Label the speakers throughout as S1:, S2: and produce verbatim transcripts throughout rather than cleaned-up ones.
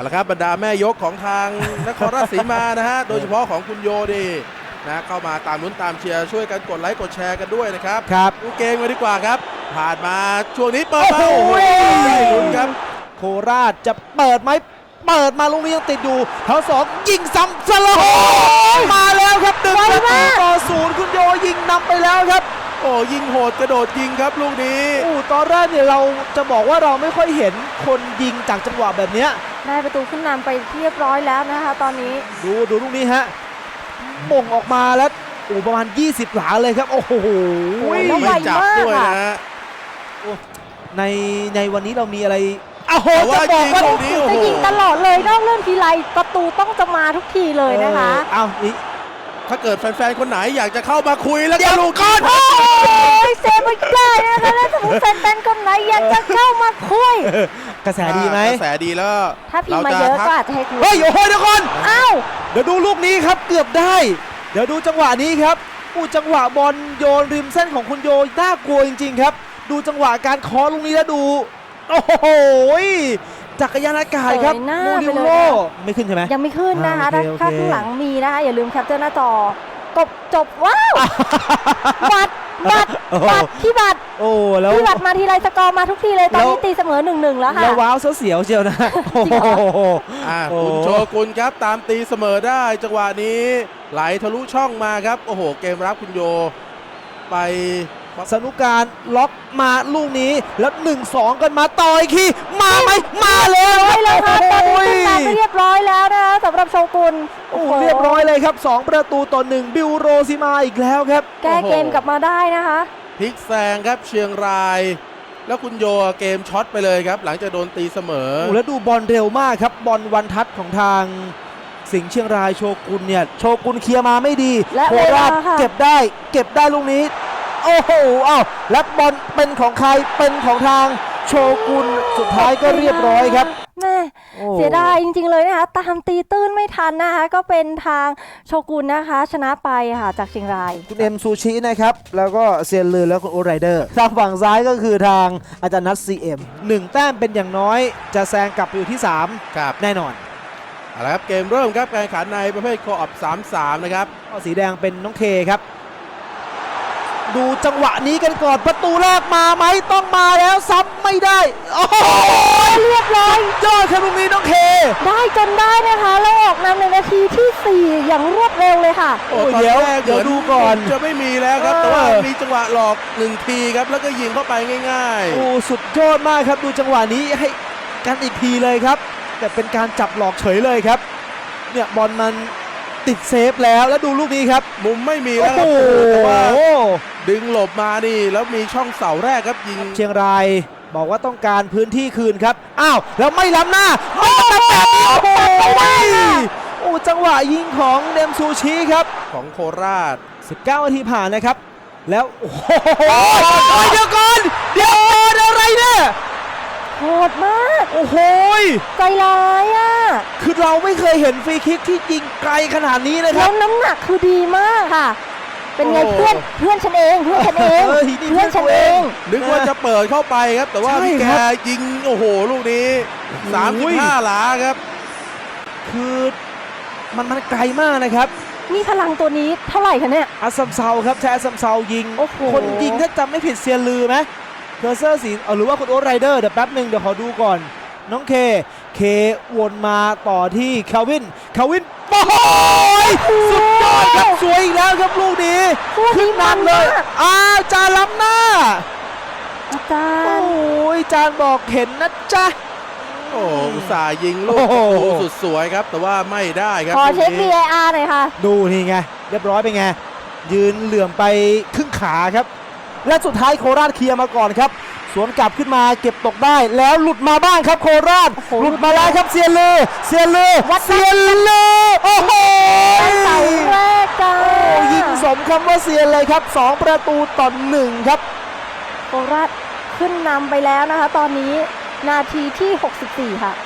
S1: ละครับบรรดาแม่ยกของทางนครราชสีมานะฮะโดยเฉพาะของคุณโยดีนะเข้ามาตามลุ้นตามเชียร์ช่วยกันกดไลค์กดแชร์กันด้วยนะครับ
S2: ครับ
S1: ดูเกมกันดีกว่าครับผ่านมาช่วงนี้เปิดมาโอ้โหได้ลุ้นครับ
S2: โคราชจะเปิดไหมเปิดมาลูกนี้ยังติดอยู่แถวสองยิงซ้ำสโลมาแล้วครับหนึ่งประตูต่อศูนย์คุณโยยิงนำไปแล้วครับ
S1: โอ้ยิงโหดกระโดดยิงครับลูกนี้
S2: โอ้ตอนแรกเนี่ยเราจะบอกว่าเราไม่ค่อยเห็นคนยิงจากจังหวะแบบนี้
S3: ได้ประตูขึ้นนำไปเรียบร้อยแล้วนะคะตอนนี้
S2: ดูดูลูกนี้ฮะม่งออกมาแล้วโอ้ประมาณยี่สิบหลาเลยครับโอ้โห
S1: ไม่จับด้วยนะ
S2: ในในวันนี้เรามีอะไรอ้าวโห
S1: จะบอกว่า
S3: จะยิงตลอดเลยนอกเรื่องทีไรประตูต้องจะมาทุกทีเลยนะคะ
S2: อ้าวนี่
S1: ถ้าเกิดแฟนๆคนไหนอยากจะเข้ามาคุยแล้ว
S2: ก็ลูกก้อน
S3: โอ้ยเซฟไม่ได้นะคะแล้วสมมติแฟนๆคนไหนอยากจะเข้ามาคุย
S2: กระแสดีไหม
S1: กระแสดีแล้ว
S3: ถ้าพิมพ์มาเยอะก็อาจจะให้คุย
S2: เฮ้ยโอ้โหเดี๋ยวก่อน
S3: อ้าว
S2: เดี๋ยวดูลูกนี้ครับเกือบได้เดี๋ยวดูจังหวะนี้ครับอู้จังหวะบอลโยนริมเส้นของคุณโยน่ากลัวจริงๆครับดูจังหวะการเคาะลูกนี้แล้วดูโอ้โหจักรยานอากาศครับโมดิโลไม่ขึ้นใช่ไหม
S3: ยังไม่ขึ้นนะคะถ้าข้างหลังมีนะคะอย่าลืมแคปเจอร์หน้าจอกบจบว้าวบัตรบัตรบัตรที่บัตร
S2: โอ้แล้ว
S3: ที่บัตรมาทีไรสกอร์มาทุกทีเลยตอนนี้ตีเสมอหนึ่งหนึ่งแล้วค่ะ
S2: แล้วว้าวเสียวเชียวนะโอ้โห
S1: คุณโชกุนครับตามตีเสมอได้จังหวะนี้ไหลทะลุช่องมาครับโอ้โหเกมรับคุณโยไป
S2: สนุกการล็อกมาลูกนี้แล้วหนึ่งสองกันมาต่อยคีมาไหมมาเลย
S3: เลยค่ะตอนนี้ขึ้นมาเรียบร้อยแล้วนะคะสำหรับโชกุน
S2: โอ้เรียบร้อยเลยครับสองประตูต่อหนึ่งบิวโรซิมาอีกแล้วครับ
S3: แก้เกมกลับมาได้นะคะ
S1: พลิกแซงครับเชียงรายแล้วคุณโยเกมช็อตไปเลยครับหลังจากโดนตีเสมอ
S2: โอ้แล้วดูบอลเร็วมากครับบอลวันทัศน์ของทางสิงห์เชียงรายโชกุนเนี่ยโชกุนเคลียร์มาไม่ดีโคราชเก็บได้เก็บได้ลูกนี้โอ้โหอ้าวและบอลเป็นของใครเป็นของทางโชกุนสุดท้ายก็เรียบร้อยครับ
S3: แม่เสียดายจริงๆเลยนะคะตามตีตื้นไม่ทันนะคะก็เป็นทางโชกุนนะคะชนะไปค่ะจากเชียงราย
S2: คุณเอ็มซูชินะครับแล้วก็เซียนลือแล้วคุณโอไรเดอร์ทางฝั่งซ้ายก็คือทางอาจารย์นัทซีเอ็มหนึ่งแต้มเป็นอย่างน้อยจะแซงกลับไปอยู่ที่สาม
S1: ครับ
S2: แน่นอน
S1: เอาละครับเกมเริ่มครับการแข่งขันในประเภทโคออฟสามสามนะครับ
S2: สีแดงเป็นน้องเคครับดูจังหวะนี้กันก่อนประตูแรกมาไหมต้องมาแล้วซ้ำไม่ได้โอ้โห
S3: เรียบร้อย
S2: ยอดครับตรงนี้น้องเค
S3: ได้จนได้นะคะแล้วออกนำในนาทีที่สี่อย่างรวดเร็วเลยค่ะ
S1: โอ้เดี๋ยวเดี๋ยวดูก่อนจะไม่มีแล้วครับแต่ว่ามีจังหวะหลอกหนึ่งทีครับแล้วก็ยิงเข้าไปง่าย
S2: ๆโอ้สุดยอดมากครับดูจังหวะนี้ให้กันอีกทีเลยครับแต่เป็นการจับหลอกเฉยเลยครับเนี่ยบอลมันติดเซฟแล้วแล้วดูลูกนี้ครับ
S1: มุมไม่มีแล้วครับแต่ว่าดึงหลบมานี่แล้วมีช่องเสาแรกครับยิง
S2: เชียงรายบอกว่าต้องการพื้นที่คืนครับอ้าวแล้วไม่ล้ำหน้าไม่ล้ำแบบนี้โอ้โหโอ้จังหวะยิงของเดมซูชิครับ
S1: ของโคราช
S2: สิบเก้านาทีผ่านนะครับแล้วโอ้โหเดี๋ยวก่อนเดี๋ยวอะไรเนี่ย
S3: โหดมาก
S2: โอ้โห
S3: ใจร้ายอ่ะ
S2: คือเราไม่เคยเห็นฟรีคิกที่ยิงไกลขนาดนี้นะครับ
S3: แล้วน้ำหนักคือดีมากค่ะเป็นไงเพื่อนเพื่อนฉันเองเพื่อนฉันเองเพื่อนฉันเอง
S1: นึกว่าจะเปิดเข้าไปครับแต่ว่าแกยิงโอ้โหลูกนี้สามสิบห้าหลาครับ
S2: คือมันมันไกลมากนะครับ
S3: นี่พลังตัวนี้เท่าไหร่คะเนี่ย
S2: อัสซัมเซาครับใช้อัสซัมเซายิงคนยิงถ้าจำไม่ผิดเซียนลือไหมเคอร์เซอร์สีหรือว่าคุณโอ๊ตไรเดอร์เดี๋ยวแป๊บหนึ่งเดี๋ยวขอดูก่อนน้องเคเควนมาต่อที่คาวินคาวินโอ้ยสุดยอดครับสวยอีกแล้วครับลูกนี้ขึ้นนำเลยอ้าวจานล้ำหน้า
S3: อาจารย์
S2: โอ้ยจานบอกเห็นนะจ๊ะ
S1: โอ้อุตส่าห์ยิงลูกสุดสวยครับแต่ว่าไม่ได้ครับ
S3: ขอเช็ค วี ไอ อาร์ หน่อยค่ะ
S2: ดูนี่ไงเรียบร้อยไปไงยืนเหลื่อมไปครึ่งขาครับและสุดท้ายโคราชเคลียร์มาก่อนครับสวนกลับขึ้นมาเก็บตกได้แล้วหลุดมาบ้างครับโคราชหลุดมาแล้วครับเซียนเลเซียนเลเซียนเลโอ้โห
S3: เสาแรกจ้า
S2: ยิงสมคำว่าเซียนเลยครับสองประตูต่อหนึ่งครับ
S3: โคราชขึ้นนำไปแล้วนะคะตอนนี้นาทีที่หกสิบสี่ค่ะ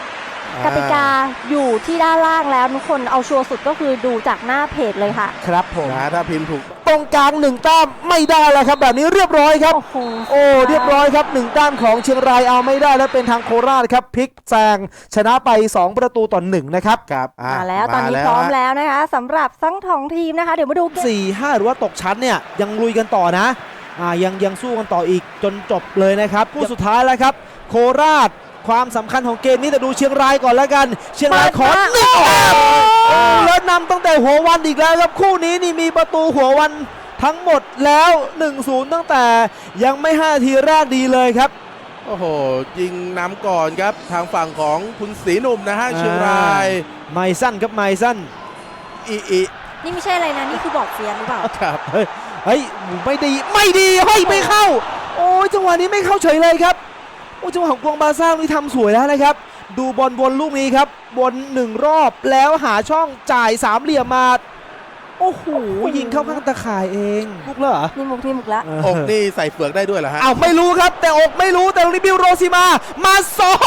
S3: กติกาอยู่ที่ด้านล่างแล้วทุกคนเอาชัวร์สุดก็คือดูจากหน้าเพจเลยค่ะ
S2: ครับผม
S1: นะถ้าพิมพ์ถูก
S2: ตรงกลางหนึ่งแต้มไม่ได้แล้วครับแบบนี้เรียบร้อยครับ
S3: โอ้โห
S2: โอ้เรียบร้อยครับหนึ่งแต้มของเชียงรายเอาไม่ได้และเป็นทางโคราชครับพลิกแซงชนะไปสองประตูต่อหนึ่งนะครับ
S1: ครับอ่ะ
S3: มาแล้วตอนนี้
S1: า
S3: พร้อม
S1: ฮะ
S3: แล้วนะคะสำหรับทั้งสองทีมนะคะ เดี๋ยวมาดูเกม
S2: สี่ห้าหรือว่าตกชั้นเนี่ยยังลุยกันต่อนะอ่ายังยังสู้กันต่ออีกจนจบเลยนะครับคู่สุดท้ายแล้วครับโคราชความสำคัญของเกมนี้แต่ดูเชียงรายก่อนแล้วกัน เชียงรายขอหนึ่งแต้มโอ้แล้วนำตั้งแต่หัววันอีกแล้วครับคู่นี้นี่มีประตูหัววันทั้งหมดแล้ว หนึ่งศูนย์ ตั้งแต่ยังไม่ห้านาทีแรกดีเลยครับ
S1: โอ้โหยิงนำก่อนครับทางฝั่งของคุณศรีหนุ่มนะฮะเชียงราย
S2: ไมสั้นครับไมสั้น
S1: อีอี
S3: นี่ไม่ใช่อะไรนะ นี่คือบอกเสียงหรือเปล่า
S1: ครับ
S2: เฮ้ยเฮ้ยไม่ดีไม่ดีเฮ้ยไม่เข้า โอ้ยจังหวะนี้ไม่เข้าเฉยเลยครับโอ้จังหวะของกวงบาซ่านี่ทำสวยแล้วนะครับ ดูบอลบนลูกนี้ครับบนหนึ่งรอบแล้วหาช่องจ่ายสามเหลี่ยมมาโอ้โหยิงเข้าข้างตะข่ายเองลูกเหรอ
S3: นี่มุกนี่มุกละ
S1: อกนี่ใส่เฟือกได้ด้วยเหรอฮะ
S2: อ้าวไม่รู้ครับ แต่อกไม่รู้แต่ลูกนี้บิวโรซิมามาสอย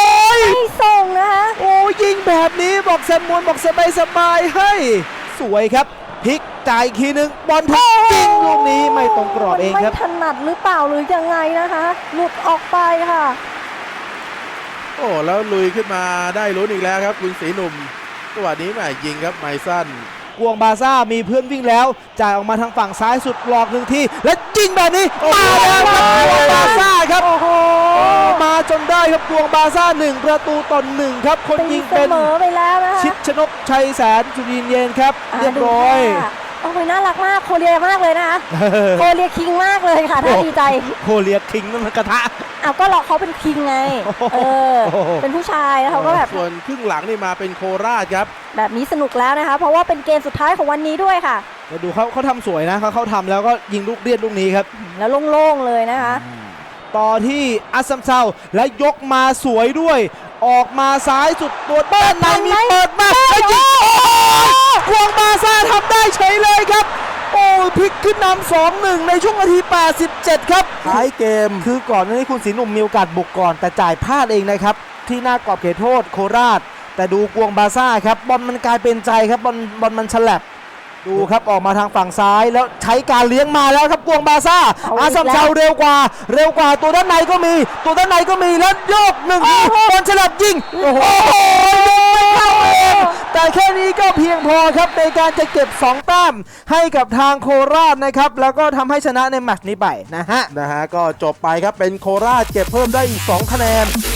S3: ไม่ส่งนะคะ
S2: โอ้ยิงแบบนี้บอกแซมมวนบอกสบายสบายๆเฮ้ยสวยครับพลิกจ่ายอีกทีนึงบอลถูกยิงลูกนี้ไม่ตรงกรอบเองครับ
S3: ไม่ถนัดหรือเปล่าหรือยังไงนะคะ หลุดออกไปค่ะ
S1: โอ้แล้วลุยขึ้นมาได้ลุ้นอีกแล้วครับคุณศรีหนุ่มจังหวะนี้แหม่ยิงครับไมสั้น
S2: กวงบาซ่ามีเพื่อนวิ่งแล้วจ่ายออกมาทางฝั่งซ้ายสุดหลอกหนึ่งทีและยิงแบบนี้มาแล้วครับกวงบาซ่าครับ
S3: โอ้โห
S2: มาจนได้ครับกวงบาซ่าหนึ่งประตูต่อหนึ่งครับคน
S3: ตี
S2: ยิง
S3: เส
S2: เป็น
S3: มอไปแล้วนะคะ
S2: ชิดชนกชัยแสนจุรินทร์เย็นครับ
S3: า
S2: เรียบร้อย
S3: ดูค่ะโอ้โหน่ารักมากโคเรียมากเลยนะคะโคเรียคิงมากเลยค่ะน่าดีใจ
S2: โคเรียคิงนั่นมันกระทะ
S3: อ้าวก็เราเขาเป็นคิงไงเออ
S2: โอ้โห
S3: เป็นผู้ชายแล้วเขาก็แบบ
S1: ส่วนครึ่งหลังนี่มาเป็นโคราชครับ
S3: แบบนี้สนุกแล้วนะคะ เพราะว่าเป็นเกมสุดท้ายของวันนี้ด้วยค่ะ
S2: มาดูเขาเขาทำสวยนะเขาเขาทำแล้วก็ยิงลูกเรียดลูกนี้ครับ
S3: แล้วโล่งๆเลยนะคะ
S2: ต่อที่อัสซัมเซาและยกมาสวยด้วย ออกมาซ้ายสุดตัวด้านในมีเปิดมาแล้วยิงโอ้ยกวงบาซ่าทำได้เฉยเลยครับ โอ้ยพลิกขึ้นนำ สองหนึ่ง ในช่วงนาที แปดสิบเจ็ด ครับท้ายเกมคือก่อนหน้านี้คุณศรีหนุ่มมีโอกาสบุกก่อนแต่จ่ายพลาดเองนะครับ ที่หน้ากรอบเขตโทษโคราช แต่ดูกวงบาซ่าครับบอลมันกลายเป็นใจครับบอลบอลมันฉลับดูครับออกมาทางฝั่งซ้ายแล้วใช้การเลี้ยงมาแล้วครับกวงบาซ่า
S3: เอาอีก
S2: อาซัมเซาเร็วกว่า เร็วกว่าตัวด้านในก็มี ตัวด้านในก็มีแล้วโยกหนึ่งทีบอลฉลับยิงโอ้โหไม่เข้าเองแต่แค่นี้ก็เพียงพอครับในการจะเก็บสองแต้มให้กับทางโคราชนะครับแล้วก็ทำให้ชนะในแมตช์นี้ไปนะฮะ
S1: นะฮะก็จบไปครับเป็นโคราชเก็บเพิ่มได้อีกสองคะแนน